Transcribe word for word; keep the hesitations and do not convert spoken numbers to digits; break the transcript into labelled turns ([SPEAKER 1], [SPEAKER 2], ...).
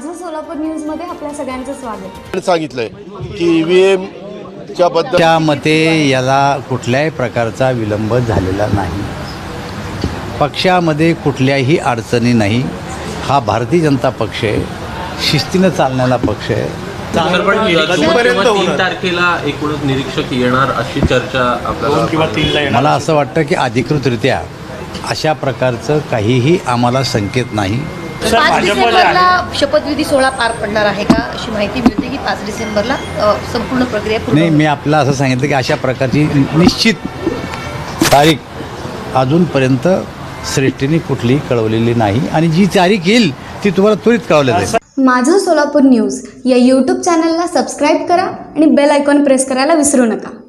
[SPEAKER 1] माझं सोलापूर न्यूजमध्ये आपल्या सगळ्यांचं स्वागत.
[SPEAKER 2] सांगितलंय की ईव्हीएम च्या बद्दल
[SPEAKER 3] त्या मते याला कुठल्याही प्रकारचा विलंब झालेला नाही. पक्षामध्ये कुठल्याही अडचणी नाही. हा भारतीय जनता पक्ष आहे, शिस्तीनं चालणारा पक्ष आहे.
[SPEAKER 4] तीन तारखेला एकूणच निरीक्षक येणार अशी चर्चा आपल्याला
[SPEAKER 3] मला असं वाटतं की अधिकृतरित्या अशा प्रकारचं काहीही आम्हाला संकेत नाही.
[SPEAKER 5] पाच डिसेंबरला शपथविधी सोहळा पार पडणार आहे का अशी माहिती मिळते की पाच डिसेंबरला अ, संपूर्ण प्रक्रिया पूर्ण
[SPEAKER 3] नाही, मी आपल्याला असं सांगितलं की अशा प्रकारची निश्चित तारीख अजूनपर्यंत श्रेष्ठीने कुठलीही कळवलेली नाही आणि जी तारीख येईल ती तुम्हाला त्वरित कळवली जाईल.
[SPEAKER 1] माझं सोलापूर न्यूज या यूट्यूब चॅनलला सबस्क्राईब करा आणि बेल आयकॉन प्रेस करायला विसरू नका.